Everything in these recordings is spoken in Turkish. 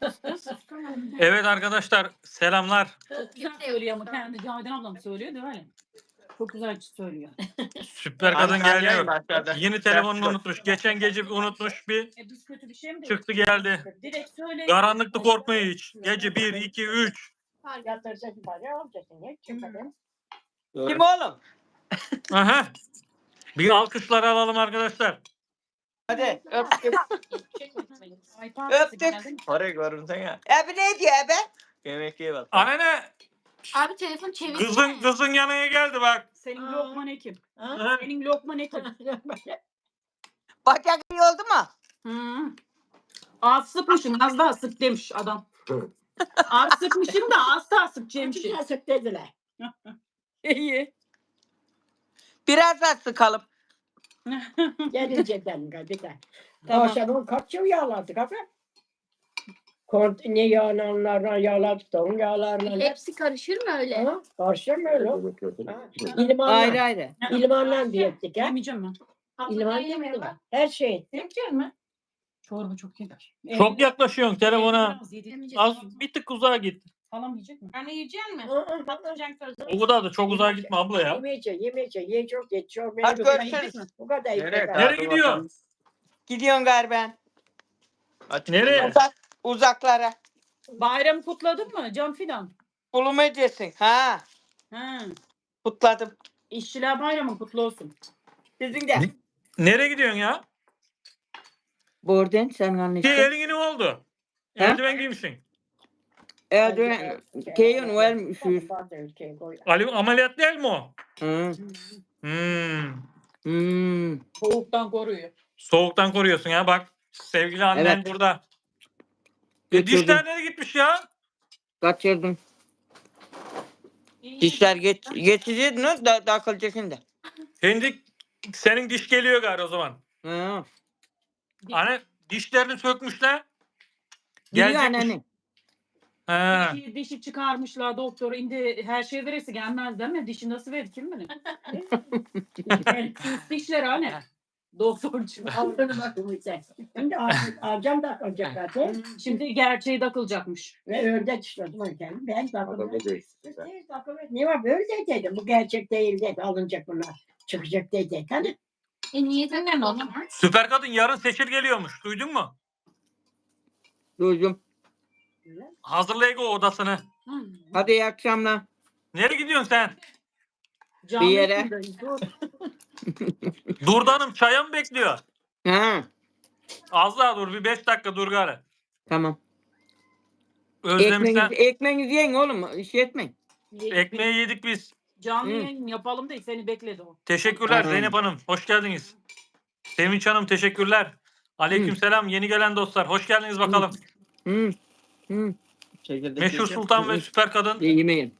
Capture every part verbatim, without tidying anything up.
Evet arkadaşlar selamlar. Çok güzel söylüyor ama kendi Cavidan ablam söylüyor değil mi? Çok güzel söylüyor. Süper kadın Anne, anneyim geliyor. başladı. Yeni telefonunu unutmuş. Geçen gece bir unutmuş bir E biz kötü bir şey mi dedik? çıktı geldi. Direkt söyle. Karanlıkta korkmuyor hiç. Gece bir, iki, üç. Kim oğlum? Aha. Bir alkışlar alalım arkadaşlar. Hadi öptük. Ay, pardon, Öptük. geldin. Parayı görürsen ya. Abi ne diyor abi? Yemek ye bak. Anne Abi telefon çevir. kızın kızın yanına geldi bak. Senin Aa. Lokman Ekim. Ha? Senin Lokman Ekim. Bacak iyi oldu mu? Hı. Az sıkmışım, az daha sık demiş adam. Az sıkmışım da az daha sıkacakmışım. Sık dediler. İyi. Biraz daha sıkalım. Gelince dedim bir de. Tamam. Akşamın kaç yıl yağladık abi? Kont ne yağlanlarla yağladık da onun yağlarla. Hepsi karışır mı öyle? Ha, karşı mı öyle? Ha, İlmanla. Ayrı ayrı. İlmanla diye ettik ha. Yemeyeceğim ben. İlman yemedim. Her şey ettik. Yemeyecek mi? Çorba çok yeter. Çok yaklaşıyorsun telefona. Biraz yedik. Az bir tık uzağa git. Halam yiyecek mi? Anne yiyecek mi? Hı hı. Patlıcan közü. O kadar da çok uzağa gitme abla ya. Yemeyecek, yemeyecek. Ye çok, ye çok. Hadi Bu kadar görüşürüz. yedik. Bu kadar yedik. Nereye? Nereye gidiyor? Gidiyorsun galiba. Nereye? Uzak, uzaklara. Bayramı kutladın mı Can Fidan? Bulum edeceksin. Ha. Ha. Kutladım. İşçiler bayramı kutlu olsun. Sizin de. Nereye gidiyorsun ya? Buradan sen Ki anlaştın. elin ne oldu? Ha? Eldiven giymişsin. Erdoğan, Keyon vermişiz. Ali ameliyat değil mi o? Hı. Hmm. Hmm. Soğuktan koruyor. Soğuktan koruyorsun ya bak. Sevgili annen Evet. burada. E, Götürdüm. dişler nereye gitmiş ya? Kaçırdım. Dişler geç, geçeceydin o da takılacak şimdi. Şimdi senin diş geliyor galiba o zaman. Hı. Hani dişlerini sökmüşler. Biliyor Gelecekmiş. anneanne. He. Dişi, dişi çıkarmışlar doktor. Şimdi her şey veresi gelmez değil mi? Dişi nasıl verir kim bilir? Dişler hani. Doktorcu. Aldığını bakın sen. Şimdi alacağım da alacak zaten. Şimdi gerçeği takılacakmış. Ve ördek işledim o yüzden. Ben takıldım. Ne var böyle dedim. Bu gerçek değil dedi. Alınacak bunlar. Çıkacak dedi. Hani E niyetinden o zaman. Süper kadın yarın seçil geliyormuş. Duydun mu? Duydum. Hazırlayın o odasını. Hadi iyi akşamlar. Nereye gidiyorsun sen? Canlı Bir yere. yayındayız, dur. Durdanım çaya mı bekliyor? Ha. Az daha dur bir beş dakika dur gari. Tamam. Özlemişsen Ekmeğinizi, ekmeğinizi yiyin oğlum. İş etmeyin. ekmeği yedik biz. Canlı Hı. yayın yapalım da seni bekledi o. Teşekkürler Hı. Zeynep Hanım. Hoş geldiniz. Sevinç Hanım teşekkürler. Aleykümselam yeni gelen dostlar. Hoş geldiniz bakalım. Hı. Hı. Meşhur Sultan ve Süper Kadın. Yemeyin.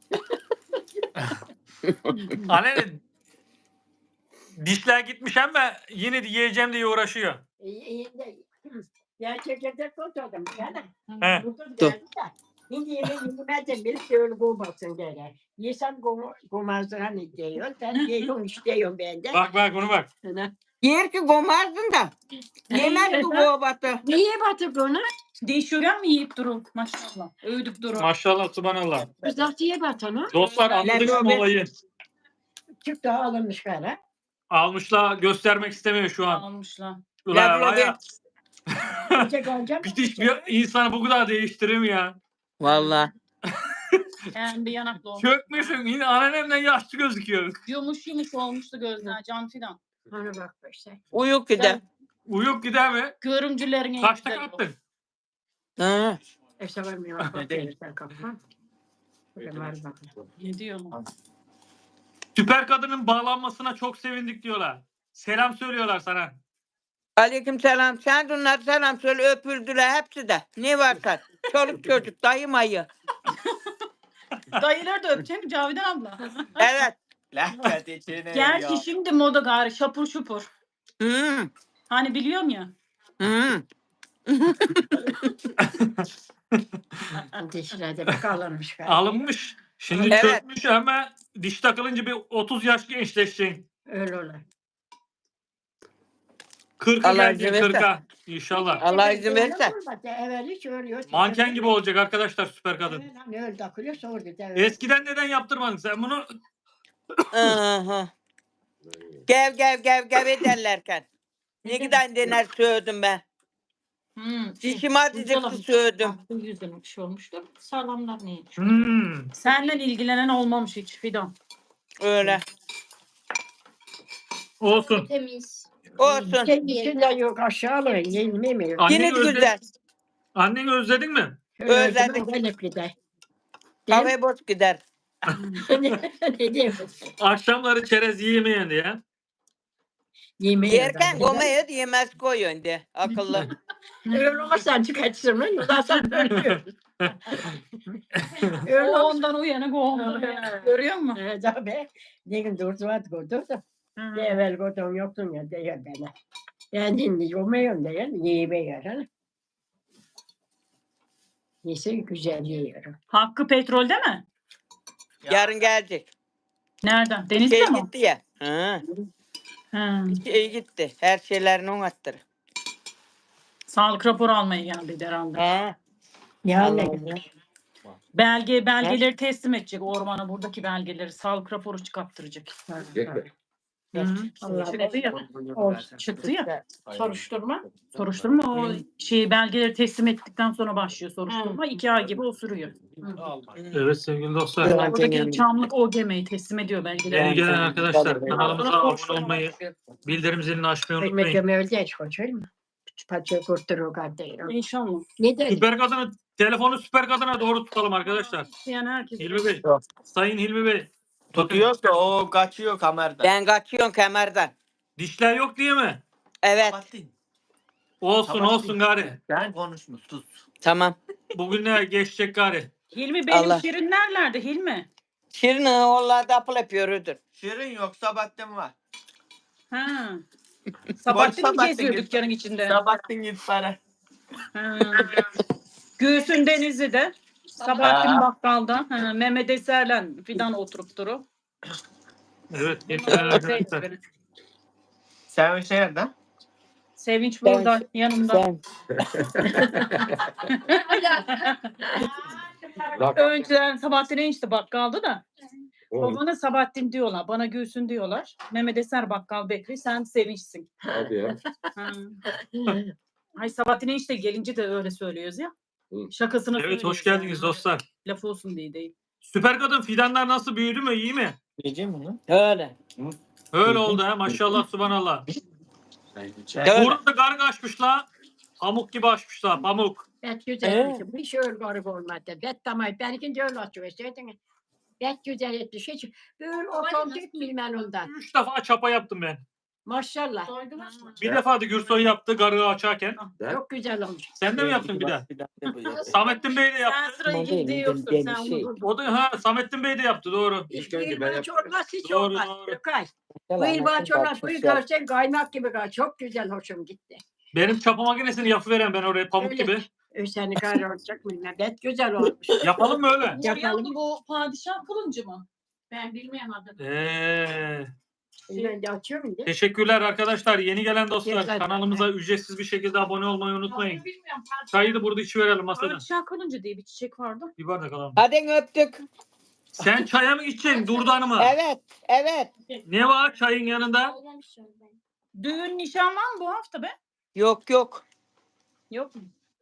Anne dişler gitmiş ama yine de yiyeceğim diye uğraşıyor. gerçekten kurtuldum. Yani. He. Kurtuldum geldi de. Şimdi yemeği yemezsen biri şöyle kovmasın gene. Yesen kovmazsın hani diyor. Sen yiyorsun istiyorsun ben de. Bak bak bunu bak. Yer ki gomazdın da. Yemez bu kovatı. Niye batırdı onu? Değişiyor mi yiyip durun maşallah. Övdük durun. Maşallah subhanallah. Kızartıya bat onu. Dostlar anladık Lan, mı olayı? Çık daha alınmış gene. Almışlar göstermek istemiyor şu an. Almışlar. Ulan Lan, var ya, Gidecek olacak. bir diş bir insanı bu kadar değiştirir mi ya? Vallahi. Yani bir yanaklı olmuş. Çökmüşsün yine anneannemden yaşlı gözüküyor. Yumuş yumuş olmuştu gözler Can Fidan. Ona bak işte. Uyuk bir de. Uyuk gider mi? Görümcülerin en Kaçta güzeli o. kalktın? Ha. İşte var mı? Bak verirsen kapıma. Böyle var bak. Ne diyor lan? Süper kadının bağlanmasına çok sevindik diyorlar. Selam söylüyorlar sana. Aleyküm selam. Sen de onlara selam söyle öpüldüler hepsi de. Ne varsa. Çoluk çocuk dayı mayı. Dayıları da öpecek Cavidan abla. Evet. Gerçi şimdi moda gari şapur şupur. Hı. Hani biliyorum ya. Hı. Dişlerde bak alınmış galiba. Alınmış. Şimdi Evet. çökmüş ama diş takılınca bir otuz yaş gençleşeceksin. Öyle olur. kırka Allah gelecek izin verirse. kırka. İnşallah. Allah izin verirse. Evvel hiç öyle yok. Manken gibi olacak arkadaşlar süper kadın. Öyle takılıyor sordu. Eskiden neden yaptırmadın sen bunu? Aha. Gev gev gev gev ederlerken. Ne kadar dener söyledim ben. Hmm. Dişim acıcıktı söyledim. Bu yüzden bir şey olmuştur. Sağlamlar neymiş? Hmm. Senden ilgilenen olmamış hiç Fidan. Öyle. Olsun. Temiz. Olsun. Kendisinden yok aşağılara yenilmiyor. Anneni Yine de özledin, güzel. anneni özledin mi? Özledim. Özellikle de. Kahve boş gider. Ne diyeyim? Akşamları çerez yiyemeyen diye. Yemeği Yerken komayı yemez koyun de. Akıllı. Öyle olmazsan çıkartsın lan. Ondan sonra ölüyorsun. Öyle O olmaz. ondan uyanık o ondan uyanık. Görüyor musun? Evet tabii. Ne gün durdu var durdu da. Ne evvel kodum yoktun ya diyor bana. Ben şimdi yomuyorum diyor. Yiyemiyorum. Neyse güzel yiyorum. Hakkı petrolde mi? Yarın gelecek. Nereden? Denizde Şey mi? gitti ya. Ha. Ha. Şey gitti. Her şeylerini on attırır. Sağlık raporu almaya geldi herhalde. Ha. Ya ne Allah güzel. Belge belgeleri teslim edecek ormana, buradaki belgeleri sağlık raporu çıkarttıracak. Hı. Allah Çıktı ya. olsun. Çıktı ya. Soruşturma. Soruşturma o şey belgeleri teslim ettikten sonra başlıyor soruşturma. İki ay gibi o sürüyor. Evet sevgili dostlar. Evet. Buradaki Çamlık O G M'yi teslim ediyor belgeleri. Yeni gelen arkadaşlar kanalımıza Sonra abone soruşturma olmayı, başlıyor. bildirim zilini açmayı Ekmek unutmayın. yemeği öyle koçur mu? Paça kurturu kardeşim. İnşallah. Ne dedi? Süper kadını, telefonu süper kadına doğru tutalım arkadaşlar. Yani herkes. Hilmi Bey, Sayın Hilmi Bey. Tutuyoruz da o kaçıyor kamerada. Ben kaçıyorum kemerden. Dişler yok diye mi? Evet. Kapattın. Olsun Tamam. olsun gari. Ben konuşmuş sus. Tamam. Bugünler geçecek gari. Hilmi benim Allah. şirin nerelerde Hilmi? Şirin oğullarda apıl yapıyordur. Şirin yok Sabahattin var. Ha. Sabahattin mi Sabahattin geziyor git. dükkanın içinde? Sabahattin git para. Ha. Gülsün Denizli'de. Sabahattin Ha. Bakkal'da. Ha. Mehmet Eser'le Fidan oturup duru. Evet yeni gelen arkadaşlar. Sen şey nerede? Sevinç Ben- burada yanımda. Ben. Önceden Sabahattin enişte bakkaldı da. Babana Sabahattin diyorlar. Bana Gülsün diyorlar. Mehmet Eser Bakkal Bekri. Sen Sevinç'sin. Hadi ya. Ha. Ay Sabahattin enişte gelince de öyle söylüyoruz ya. Hı. Şakasına Evet söylüyoruz hoş geldiniz yani. dostlar. Laf olsun diye değil. Süper kadın fidanlar nasıl büyüdü mü iyi mi? Diyeceğim bunu. Öyle. Öyle oldu ha maşallah subhanallah. Öyle. Burada garg açmış la. Pamuk gibi açmış la pamuk. Bet güzel etmiş. Bu iş öyle garip olmadı. Bet tamam. Benimki de öyle açıyor. İstedin. Bet güzel etmiş. Hiç böyle otantik bilmem ondan. Üç defa çapa yaptım ben. Maşallah. Bir defa da Gürsoy yaptı gargı açarken. Çok güzel olmuş. Sen de mi yaptın bir daha? daha? Samettin Bey de Sen yaptı. sırayı gidiyorsun. Ben- Sen ben- şey- onu O da ha Samettin Bey de yaptı doğru. İlk önce ben İlban yaptım. çorbası hiç Doğru, olmaz. doğru. Gökay. Bu ilban çorbası bu görsen kaymak gibi kal. Çok güzel hoşum gitti. Benim çapa makinesini yapıveren ben oraya pamuk Öyle. gibi. Seni kar olacak bilmem. Bet güzel olmuş. Yapalım mı öyle? Yapalım. Bu padişah kılıncı mı? Ben bilmiyorum adını. Ee, Ben de açıyorum diye. teşekkürler arkadaşlar. Yeni gelen dostlar Güzel. kanalımıza ücretsiz bir şekilde abone olmayı unutmayın. Adını bilmiyorum. Çayı da burada içiverelim masada. Padişah kılıncı diye bir çiçek vardı. Bir bardak alalım. Hadi öptük. Sen çaya mı içeceksin Durdan mı? Evet. Evet. Ne var çayın yanında? Düğün nişan var mı bu hafta be? Yok yok. Yok mu?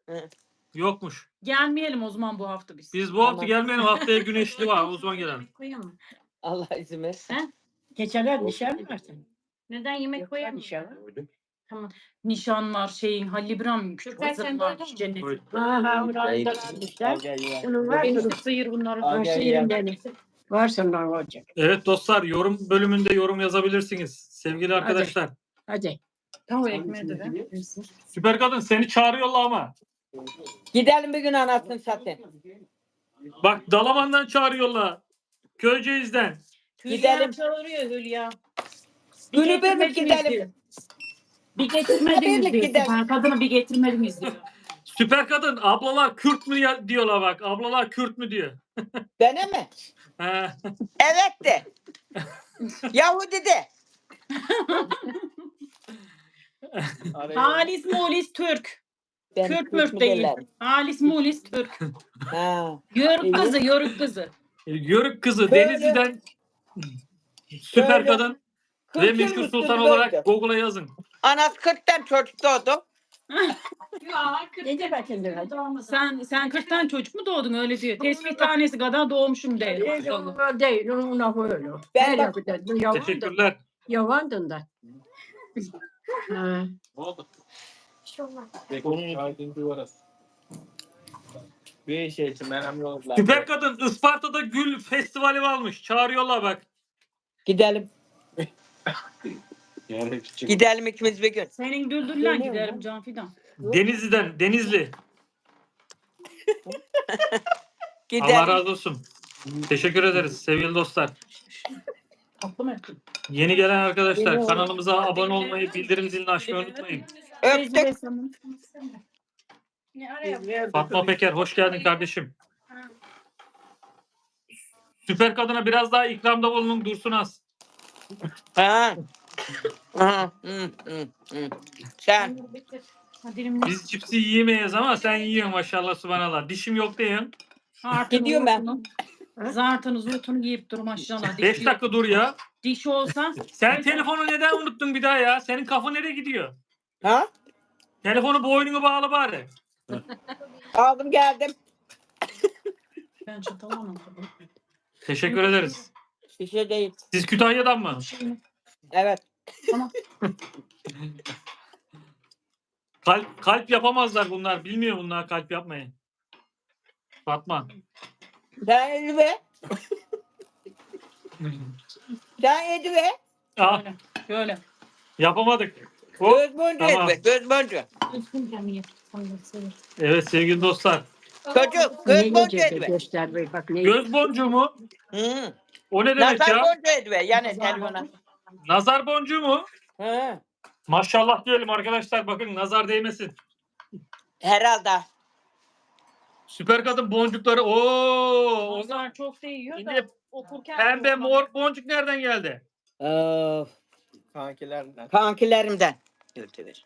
Yokmuş. Gelmeyelim o zaman bu hafta biz. Biz bu hafta Tamam. gelmeyelim haftaya güneşli var o zaman gelelim. Koyamam. Allah izin versin. Geçenler nişan mı varsın? Neden yemek Yok koyamam? nişan. Tamam. Nişan var şeyin Halil İbrahim Gökay, sen kızın duydun varmış mu? cennet. Oy. Ha ha oradan da almışlar. Bunun var Enişte mı? sıyır bunları. Al, gel, Varsa gel. yerimden. Varsa ne olacak? Evet dostlar yorum bölümünde yorum yazabilirsiniz. Sevgili arkadaşlar. Hadi. Tamam ekmeği de ver. Süper kadın seni çağırıyorlar ama. Gidelim bir gün anasını satayım. Bak Dalaman'dan çağırıyorlar. Köyceğiz'den. Hülya Gidelim. çağırıyor Hülya. Günü birlik getirmediniz gidelim. diyor. Bir getirmediniz Birlik diyor. gidelim. Süper kadını bir getirmediniz diyor. Süper kadın ablalar Kürt mü ya- diyorlar bak. Ablalar Kürt mü diyor. Bana mi? He. Evet de. Yahudi de. Halis Mulis Türk. Ben Kürt Türk mürt mü değil. derler? Halis Mulis Türk. Ha. Yörük İyi. kızı, yörük kızı. Yörük kızı Böyle- Denizli'den süper Böyle kadın ve kırk yıl meşhur üstü sultan böyle. olarak Google'a yazın. Anası kırktan çocuk doğdu. Ne de bakın Sen sen kırk tane çocuk mu doğdun öyle diyor. Tesbih tanesi kadar doğmuşum de. Değil, değil, ona böyle. Ben Her bak- yakıda, yavandın, Teşekkürler. yavandın da. Ha. Bir şey için önemli oldular. Süper kadın Isparta'da gül festivali varmış. Çağırıyorlar bak. Gidelim. Gidelim ikimiz bir gün. Senin düldüllen Geliyor giderim mu? Can Fidan. Denizli'den, Denizli. Gidelim. Allah razı olsun. Teşekkür ederiz sevgili dostlar. Tatlı mı ettin? Yeni gelen arkadaşlar kanalımıza abone olmayı, bildirim zilini açmayı unutmayın. Öptük. Fatma Peker hoş geldin kardeşim. Süper kadına biraz daha ikramda bulunun Dursun Az. Ha. Aha. Hı, hı, hı. Sen. Biz cipsi yiyemeyiz ama sen yiyorsun maşallah subhanallah. Dişim yok diyorsun. Gidiyorum ben. Zartını zurtunu yiyip dur maşallah. beş Diş, dakika dur ya. diş olsa Sen telefonu neden unuttun bir daha ya? Senin kafa nereye gidiyor? Ha? Telefonu boynunu bağla bari. Aldım geldim. ben çatalamam. Teşekkür ederiz. Şişe değil. Siz Kütahya'dan mı? Evet. Kalp, kalp yapamazlar bunlar. Bilmiyor bunlar kalp yapmayı. Fatma. Sen yedi be. Sen yedi be. Ah, Şöyle. Şöyle. yapamadık. Hop. Göz boncuğu Tamam. yedi be. Göz boncuğu. Evet sevgili dostlar. Çocuk. Göz Ne boncuğu yiyecek yedi be. göster be, bak ne Göz boncuğu mu? Hı. O ne demek Nazar ya? boncuğu yedi be. Yani telefona. Nazar boncuğu mu? Hı. Maşallah diyelim arkadaşlar. Bakın nazar değmesin. Herhalde. Süper kadın boncukları. Oo, o Nazar çok değiyor da Şimdi okurken pembe mor boncuk nereden geldi? Of. Kankilerden. Kankilerimden. Götürür.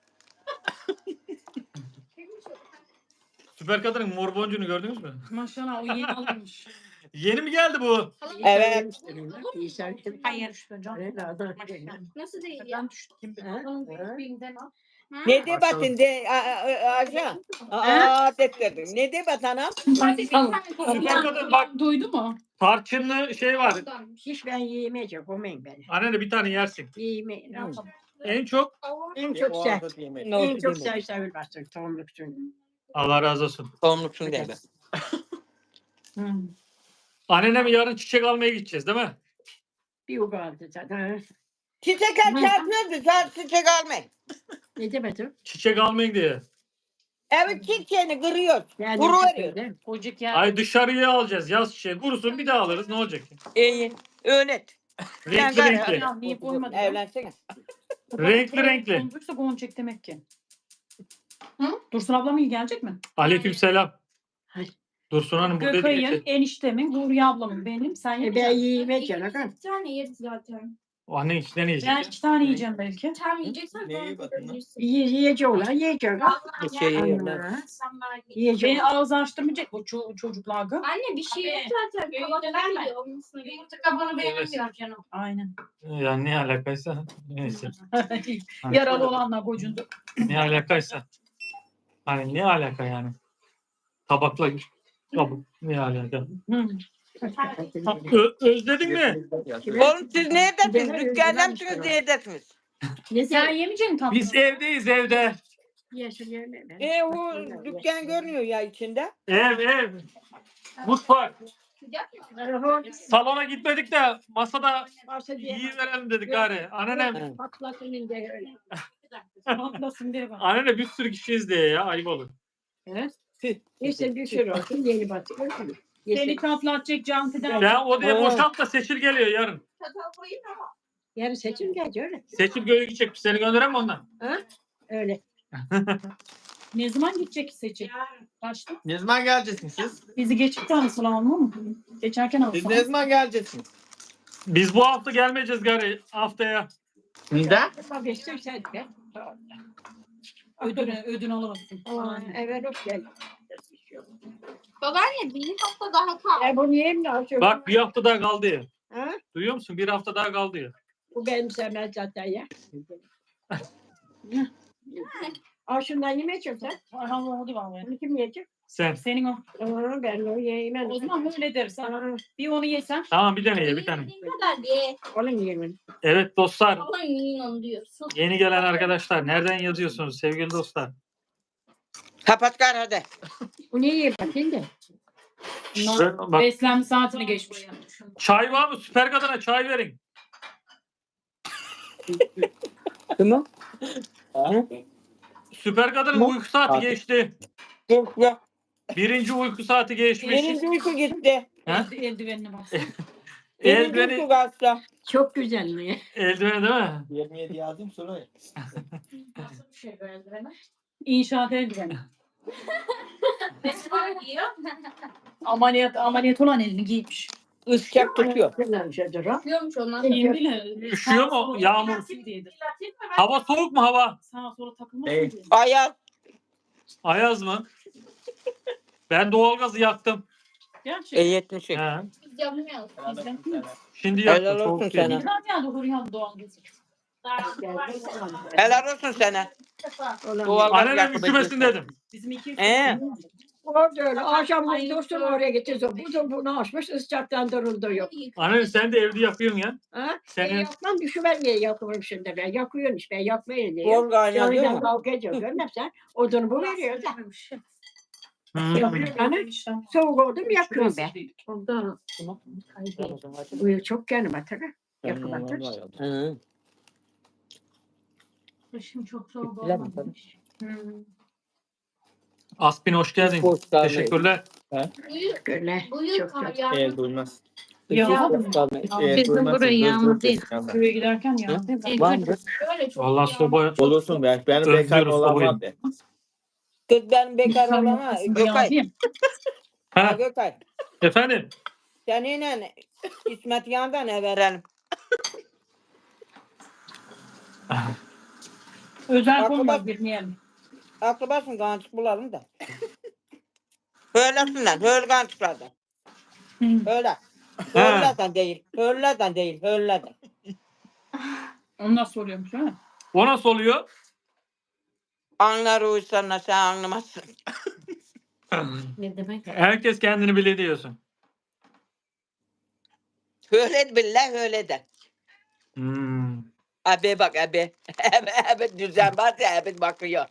Süper kadının mor boncuğunu gördünüz mü? Maşallah o yeni alınmış. Yeni mi geldi bu? Evet. Hayır. Nasıl değil ya? Ben düştüm. Onun büyüklüğünden al. Ne de batın de a- a- a- aşağı. Aa dedim. Ne de batana? Süper kadın bak Duydu mu? tarçınlı şey var. Hiç ben yiyemeyeceğim, komayın beni. Anne bir tane yersin. Yiyemeyeceğim. En çok En Bir çok o sen. anda diyemedim. Ne En oldu çok değil mi? sen sevil bastın, tohumluksun. Allah razı olsun. Tohumluksun değil mi? Hmm. Annene yarın çiçek almaya gideceğiz değil mi? Bir uga aldı zaten. Çiçek çarpıyordu. Sen çiçek almayın. Ne demedim? Çiçek almaya gidiyor. Evet çiçeğini kırıyor. Yani Kuru çok veriyor. öyle. Kocuk ya. Ay dışarıya alacağız yaz çiçeği. Kurusun bir daha alırız ne olacak? İyi. Öğret. Renkli Ben renkli. Ya niye koymadın? ya? Evlensene. Renkli renkli. Boncuksa goncuk demek ki. Hı? Dursun ablam iyi gelecek mi? Aleyküm selam. Hayır. Dursun Hanım burada Gökay'ın, değil. eniştemin, Huriye ablamın, benim. Sen E ben yiyeceksin. yiyemeyeceğim. Bakın. Bir tane yeriz zaten. O annen içinden Ben yiyecek. iki tane yiyeceğim belki. Tam yiyeceksen Neyi sonra bakın lan? yiyebilirsin. Yiye, yiyeceğim lan, yiyeceğim. Bir şey yiyorlar. Anne. İnsanlar yiyor. Yiyeceğim. Beni ağız açtırmayacak bu ço- çocuklar. gı. Anne bir şey yok zaten. Kabak vermiyor. Yumurta kabuğunu beğenmiyor canım. Aynen. Yani ne alakaysa. Neyse. Yaralı olanlar gocundu. Ne alakaysa. Hani ne alaka yani? Tabakla kabuk ne alaka? Hı. Ö- özledin mi? Oğlum siz neredesiniz? Dükkanda mısınız? Neredesiniz? Ne Sen sen yemeyecek misin tatlı? Biz evdeyiz evde. yeşil yeme ben. E o dükkan görünüyor ya içinde. Ev ev. Mutfak. Telefon Salona gitmedik de masada varsa diye. iyi verelim dedik gari. Anneannem, Evet. Patlasın ince öyle. Atlasın diye bak. anneanne bir sürü kişi izliyor ya ayıp olur. Evet. İşte bir sürü olsun yeni batıyor. Seni kaplatacak Can Fidan. Ben odaya Evet. boşalt da Seçil geliyor yarın. Çatal koyayım ama. Yarın seçim gelecek öyle. Seçil göğe gidecek. Seni gönderem mi ondan? Öyle. Ne zaman gidecek seçim? Yarın. Kaçta? Ne zaman geleceksiniz siz? Bizi geçip de alsın alma mı? Geçerken Siz alsın. ne zaman geleceksiniz? Biz bu hafta gelmeyeceğiz gari haftaya. Neden? Ama geçtim sen de. Ödün, ödün alamazsın. Aman, evet hoş geldin. Babaanne bir hafta daha kal. E bunu yiyeyim de açıyorum. Bak bir hafta daha kaldı ya. Ha? Duyuyor musun? Bir hafta daha kaldı ya. Bu benim sevmez zaten ya. Al şundan yemeyeceğim sen. Ayhan oldu vallahi. Bunu kim yiyecek? Sen. Senin o. Aa, ben onu yiyemem. O zaman öyle dersen. Aa, Bir onu yesen. Tamam bir tane ye bir tane. Ne kadar diye. onu yiyemem. Evet dostlar. Ama yiyin onu diyorsun. Yeni gelen arkadaşlar nereden yazıyorsunuz sevgili dostlar? Kapat gari hadi. Bu ne yiyeyim bakayım da. Şöyle bak, Beslenme saatini geçmiş. çay var mı? Süper kadına çay verin. Tamam. Süper kadının Tamam. uyku saati Abi. geçti. Dur ya. Birinci uyku saati geçmiş. Birinci uyku gitti. Ha? Elde, eldivenine bas. Birinci uyku Eldiveni, kalktı. Çok güzel mi? eldiveni değil mi? yirmi yedi yazdım sonra. Nasıl bir şey bu eldivene? İnşaat eldiveni. Mesela giyiyor. Ameliyat, ameliyat olan elini giymiş. Iscak tutuyor. Güzel şeydir o. Giyiyormuş onlar. Kim bilir. Üşüyor mu? Yağmur. Hava soğuk mu hava? Sağa sola takılmasın Değil. diye. Ayaz. Ayaz mı? Ben doğalgazı yaktım. E Gerçekten. yetmiş. He. Biz yapmıyoruz. Şimdi Helal yaktım. olsun Soğuk sana. değil. Güzel yani Hurriyan doğal gezi. Helal olsun sana. Olan Doğal- Annenin Yakıp üşümesin ediyorsun. dedim. Bizim iki Ee? Orada öyle. Akşam dostum oraya gitti. Bu da bunu açmış. Iscaktan duruldu yok. Annen sen de evde yakıyorsun ya. Ha? Ben Senin yakmam. Düşüver niye yakıyorum şimdi ben. Yakıyorum işte. Ben yakmayın diye. Bol kaynağı değil Yanından mi? kavga ediyor. Görmem sen. Odunu bu veriyor da. Hmm. Yakıyorum. Hani soğuk oldu mu yakıyorum ben. Ondan bu yıl çok kendime tabii. Yakıladır. Hı. Kışın çok soğuk Bilemem olmamış. Aspin hoş geldin. Hoş geldin. Teşekkürler. Bu yıl, Öyle. bu yıl Çok kar kötü. yağdı. Eğer duymaz. Yağmadı mı? Eğer Bizim duymazsa buraya göz yağmur yok değil. eskiden. Köye giderken ya. Var mı? Öyle çok Vallahi yağdı. soba Olursun be. Benim bekar Özlüyoruz olan sobayı. var be. Kız ben bekar olama. Gökay. Ha, Ha, Gökay. efendim. Seninle İsmet Yan'dan ne verelim? Özel Aklı konumuz bak- bilmeyelim. Aklı basın kançık bulalım da. Höylesinler. Höl kançıklardan. Höyle. Höylerden değil. Höylerden değil. Höylerden. Onu nasıl soruyormuş değil mi? O nasıl oluyor? Anlar uysana sen anlamazsın. Ne demek? Herkes kendini bile diyorsun. Öyle billah öyle de. Hmm. Abi bak abi. Abi, abi düzen var ya abi bakıyor.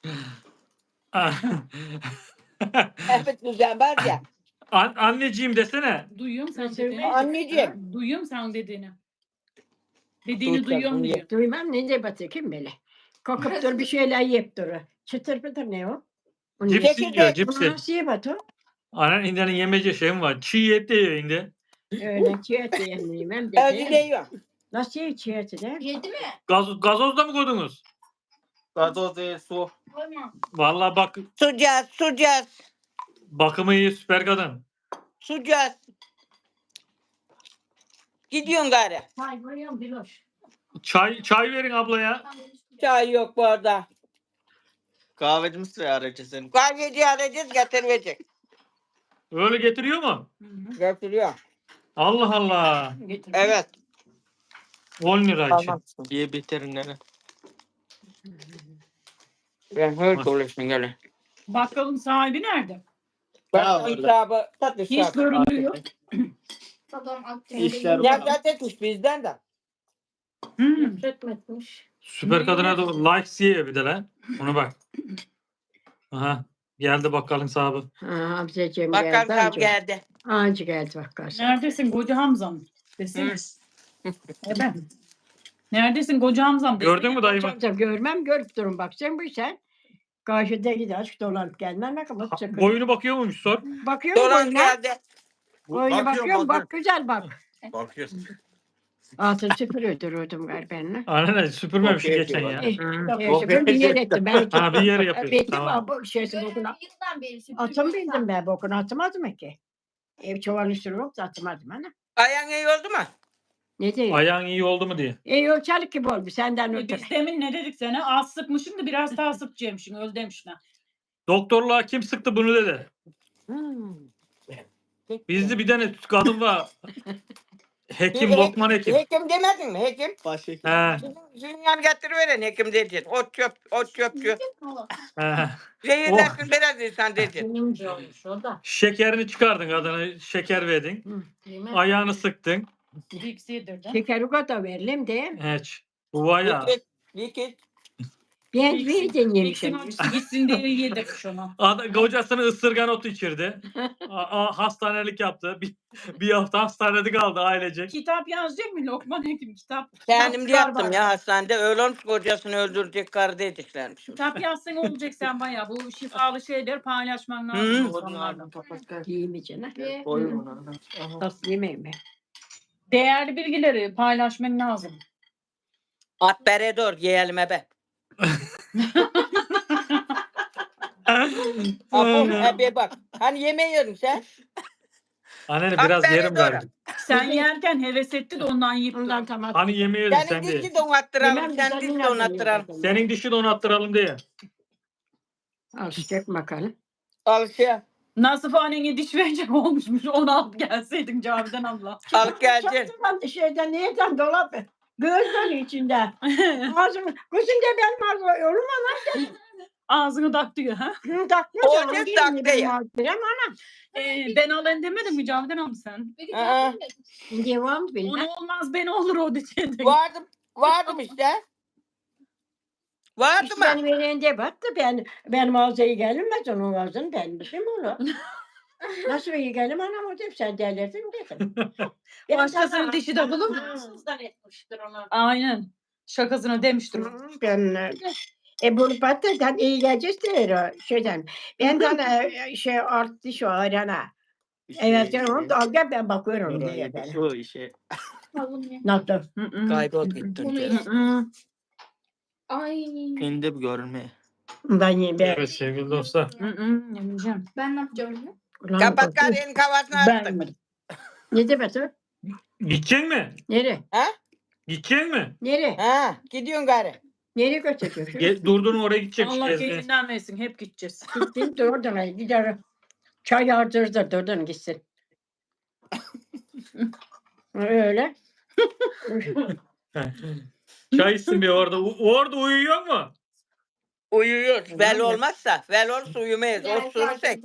Abi düzen var ya. An- anneciğim desene. Duyuyorum sen Nasıl dediğini. Anneciğim. Duyuyorum sen dediğini. Dediğini Duyacak, duyuyorum duyacak. diyor. Duymam ne de batı kim böyle. Kalkıp dur bir şeyler yiyip durur. Çıtır pıtır ne o? Onu Cipsi Çekirdeği- diyor cipsi. Nasıl ye batı? Annen indiğinin yemece şeyim var. Çiğ et de yiyor indi. Öyle çiğ et yiyemeyim hem Evde de. yiyor. Nasıl ye çiğ eti de? Yedi mi? Gaz, gazoz da mı koydunuz? Gazoz değil su. Koyma. Vallahi bak Sucaz, sucaz, bakımı iyi süper kadın. sucaz. Gidiyorsun gari. Hay bayım Diloş. Çay çay verin ablaya. Çay yok bu arada. Kahveci misin ya aracı senin? Kahveci arayacağız getirecek. Öyle getiriyor mu? Hı hı. Getiriyor. Allah Allah. Getir. Evet. on lira için. Ye bitirin nene. Ben öyle dolaştım gele. Bakkalın sahibi nerede? Bak orada. hesabı, tat Hiç hesabı. görünmüyor. Babam aktif. İşler Ya zaten tuş bizden de. Hmm. Etmetmiş. Süper kadına da likes yiyor bir de lan. Ona bak. Aha. Geldi bakkalın sahibi. Ha, Hamzacığım Bakkal geldi. sahibi Anca. geldi. Anca geldi bakkal. Neredesin koca Hamzam? Desene. Hı. Evet. Neredesin koca Hamzam? Desene. Gördün mü dayımı? Tabii görmem görüp durun bak sen bu sen. Karşıda gider dolanıp gelmem ne kadar sıkıntı. Boyunu bakıyor muymuş sor. Bakıyorum Dolan boyuna. geldi. Boyuna bakıyorum bak güzel bak. Bakıyorsun. Altın süpürüyor duruyordum galiba benimle. Aynen süpürmemiş Bakıyor, geçen ya. bakıyor. Eh, Hı. eh, süpür bir yer ettim. Ben Ha bir yer yapıyorsun. Bitti Tamam. bu şeysi Böyle bokuna. yıldan beri süpürge Atım yok. bildim ben bokunu atamadım ki. Ev çuvalın üstüne yoktu atamadım ana. Ayağın iyi oldu mu? Ne diyor? Ayağın iyi oldu mu diye. E yolçalık gibi oldu senden E, ötürü. Biz demin ne dedik sana? Az sıkmışım da biraz daha sıkacakmışsın. Öl demişsin. Doktorluğa kim sıktı bunu dedi. Hmm. Bizde bir tane kadın var. Hekim, He- Lokman Hekim. Hekim demedin mi hekim? Başhekim. He, Zünyan getiriveren hekim dedin. Ot çöp, ot çöpçü. he. Zehirlersin biraz insan dedin. Benimce olmuş o da. Şekerini çıkardın kadına, şeker verdin. Hı, değil mi? Ayağını sıktın. Vicks yedirdin. Şekeri kadar verelim de. Hiç. Bu var ya. Likit, likit. Ben Vicks'in- verdim Vicks'in yemişim. acısı gitsin diye yedirmiş onu. Ad- Kocasını ısırgan otu içirdi. A- a- hastanelik yaptı. Bir, bir hafta hastanede kaldı ailecek. Kitap yazacak mı Lokman Hekim? Kitap. Kendim de kitap yaptım var. ya hastanede. Öyle olmuş kocasını öldürecek karı dediklermiş. Kitap yazsan olacak sen bayağı. Bu şifalı şeyleri paylaşman Hı. lazım insanlarla. Değil mi canım? Koyun ona. Nasıl yemeyim mi? Değerli bilgileri paylaşman lazım. At bere dur yiyelim ebe. Apo ebe bak. Hani yemeği yiyordun sen? Anne biraz Aferin yerim doğru. galiba. Sen yerken heves etti de ondan yiyip Ondan tamam. Hani yemeği yedin Senin sen diye. dişi donattıralım. Yemem, Sen sen diş yine donattıralım. yiyorsun. Senin dişi donattıralım diye. Alışacak bakalım. Al şey. Nasıl annene diş verecek olmuşmuş. Onu al gelseydin Cavidan abla. Al geleceksin. Çaktırmadı şeyden nereden dolap? Gözleri içinde. Ağzım, kızım da benim ağzım olur mu? Ağzını tak diyor. Ha? Hı, takma O canım, ne değil taktı mi benim ya? ağzım? Ama Ee, ben alayım demedin mi Cavidan abla sen? Aa, devam bilmem. Onu olmaz ben olur o dedi. vardım. Vardım işte. Vardı İşte mı? ben verende baktı ben benim ağzıya gelmez onun ağzını ben bizim olur. Nasıl iyi gelim anam o dedim sen delirdin dedim. Benim Başkasının sana- dişi de bulur. Ağzından etmiştir onu. Aynen. Şakasına demiştir. o. Hı, Ben e bunu patlıcan iyi geleceğiz der o şeyden. Ben sana e, şey art diş o arana. Evet sen onu da al gel ben bakıyorum diye ben. Şu işe. Nasıl? Hı hı. Kaybol gittin. Bunu canım. Hı hı. Ay. Kendi bir görme. Ben yiyeyim ben. Evet sevgili dostlar. Hı hı. Yemeyeceğim. Ben ne yapacağım? Ulan Kapat korkuyorum. karının kafasını Ben attın. yemedim. Ne demek o? Gidecek mi? Nereye? Gidecek mi? Nereye? Ha, gidiyorsun karı. Nereye götürüyorsun? Ge- Durdun oraya gidecek. Allah gezmeye. keyfinden versin. Hep gideceğiz. Gittim de oradan ay, gider. Çay yardırdı da oradan gitsin. Öyle. Çay içsin bir orada. U- orada uyuyor mu? Uyuyoruz. Vel olmazsa. Vel olursa uyumayız. Ostursak.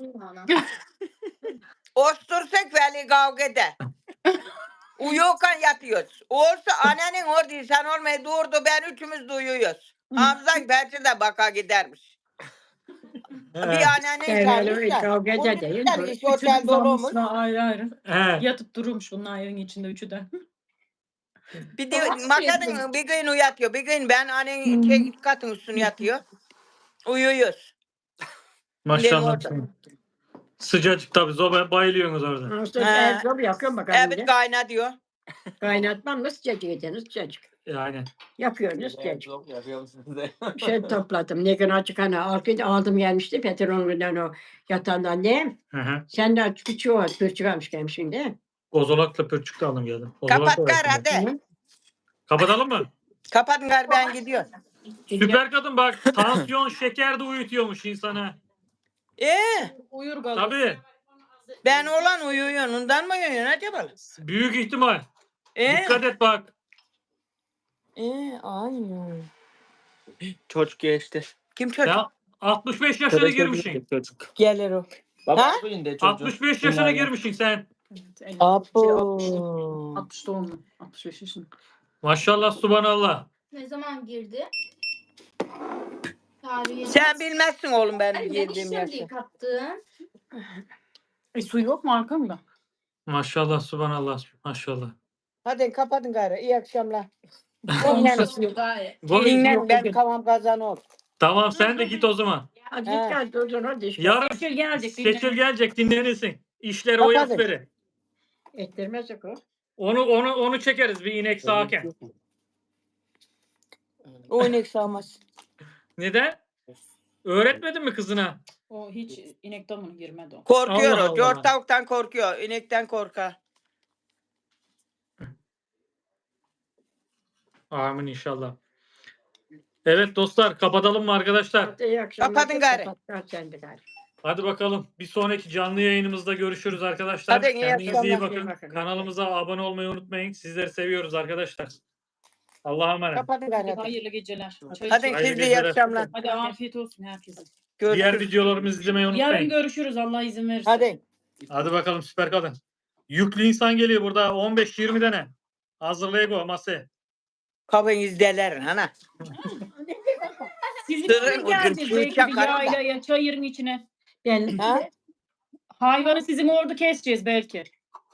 Ostursak veli kavga eder. Uyuyorken yatıyoruz. Olsa annenin orada sen olmayı durdu ben üçümüz de uyuyoruz. Hamza belki de baka gidermiş. Bir annenin Öyle kalmışsa. kavga Bu da değil. bizden bu- iş otel dolu olmuş. Zamanısına ayrı ayrı. He. Yatıp durmuş bunlar evin içinde üçü de. Bir de makadın bir gün uyatıyor. Bir gün ben annenin şey, katın üstüne yatıyor. Uyuyoruz. Maşallah. orada. Sıcacık tabii. Zoba bayılıyorsunuz orada. Nasıl Ha. el zor yakıyorum bakalım. Evet de. kayna diyor. Kaynatmam nasıl sıcacık ediniz sıcacık. Yani. Yapıyorsunuz sıcacık. Çok yapıyor musunuz? Şey topladım. Ne gün açık hani arkada aldım gelmişti. Petrolünden o yatağından ne? Hı hı. Sen de küçüğü o pürçük almış gelmişsin de. Kozolakla pürçük de aldım geldim. Kozolak Kapat da kar var şimdi. hadi. Kapatalım mı? Kapatın kar ben gidiyorum. Süper kadın bak. Tansiyon, şeker de uyutuyormuş insana. Ee, Uyur kalır. Tabii. ben olan uyuyorsun. Ondan mı uyuyorsun acaba? Büyük ihtimal. Ee, Dikkat et bak. ee, aynen. Çocuk geçti. Kim çocuk? Ya altmış beş yaşına girmişsin. Çocuk. Gelir o. Baba Ha? bugün de çocuk. altmış beş yaşına Bunlarla. girmişsin sen. Apo. altmış doğumlu. altmış beş yaşında. Maşallah subhanallah. Ne zaman girdi? Tarihi. Sen bilmezsin oğlum benim Ay, ne girdiğim işlem yaşı. diye kattın? E su yok mu arkamda? Maşallah subhanallah. Maşallah. Hadi kapatın gayrı. İyi akşamlar. Olmuşası yok. Gayet. Gol- Dinlen ben kavam kazan ol. Tamam sen de git o zaman. Hadi Ha. git gel durdun hadi işte. Yarın Seçil gelecek. seçil gelecek dinlenirsin. İşleri o Kapatın. yap verin. Ettirmezsek o. Onu onu onu çekeriz bir inek sağarken. O inek sağmaz. Neden? Öğretmedin mi kızına? O hiç inek damına girmedi o. Korkuyor Allah o. Dört Allah. tavuktan korkuyor. İnekten korkar. Amin inşallah. Evet dostlar kapatalım mı arkadaşlar? Hadi iyi akşamlar. Kapatın gari. Kapat sen de gari. Hadi bakalım. Bir sonraki canlı yayınımızda görüşürüz arkadaşlar. Hadi iyi Kendinize iyi akşamlar. bakın. İyi bakın. Kanalımıza abone olmayı unutmayın. Sizleri seviyoruz arkadaşlar. Allah'a emanet. Kapatın gari. hadi. Hayırlı geceler. Çay Hadi için. Hayırlı siz de iyi geceler. akşamlar. Hadi afiyet olsun herkese. Diğer Görüşürüz. videolarımızı izlemeyi Yarın unutmayın. görüşürüz Allah izin verirse. Hadi. Hadi bakalım süper kadın. Yüklü insan geliyor burada. on beş yirmi tane. Hazırlayın masaya. Kapın izleyeler hana. Sizin Sırrı için ucun geleceğiz suyu belki bir çakarım da. yaylaya, çayırın içine. Ben Ha? Hayvanı sizin orada keseceğiz belki.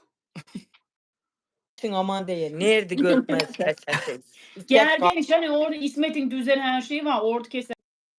Sen aman değil. Nerede görmez kesersin. Gel gel hani orada İsmet'in düzen her şeyi var. Orada keser.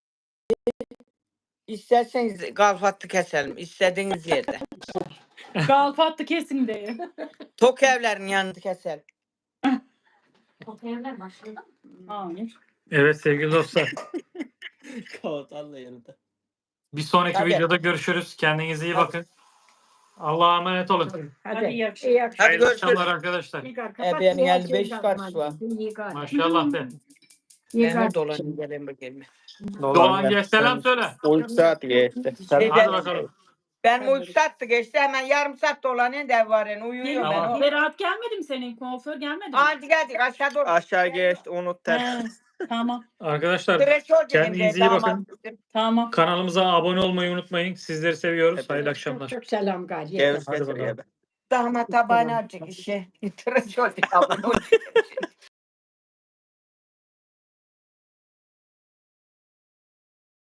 İsterseniz kalfatı keselim. İstediğiniz yerde. Galfatlı kesin diye. Tok evlerin yanında keselim. Oteller başladı. Hayır. Evet sevgili dostlar. Kapatarla yanında. Bir sonraki Hadi. videoda görüşürüz. Kendinize iyi bakın. Allah'a emanet olun. Hadi iyi akşamlar. iyi akşamlar. Hadi Hayırlı görüşürüz. akşamlar arkadaşlar. İyi gari. E, Kapat, benim iyi elli beş akşamlar. karşı var. İyi gari. Maşallah de. İyi Ben gari. de dolanayım gelin bakayım. Doğan gel selam söyle. on saat geçti. Şey, Hadi ben- bakalım. Ben uyku sattı geçti hemen yarım saat dolanayım da var yani uyuyorum Tamam. ben. Berat gelmedi mi senin? Kuaför gelmedi mi? Hadi geldik aşağı doğru. Aşağı geçti unut ters. He, tamam. Arkadaşlar Tıraş olacağım kendinize de, iyi bakın. damat. Tamam. Kanalımıza abone olmayı unutmayın. Sizleri seviyoruz. Hep- Hayırlı Çok akşamlar. çok selam gari. Ceviz Hadi getiriyor bakalım. be. Damat tabağını alacak işe. Tıraş olacak.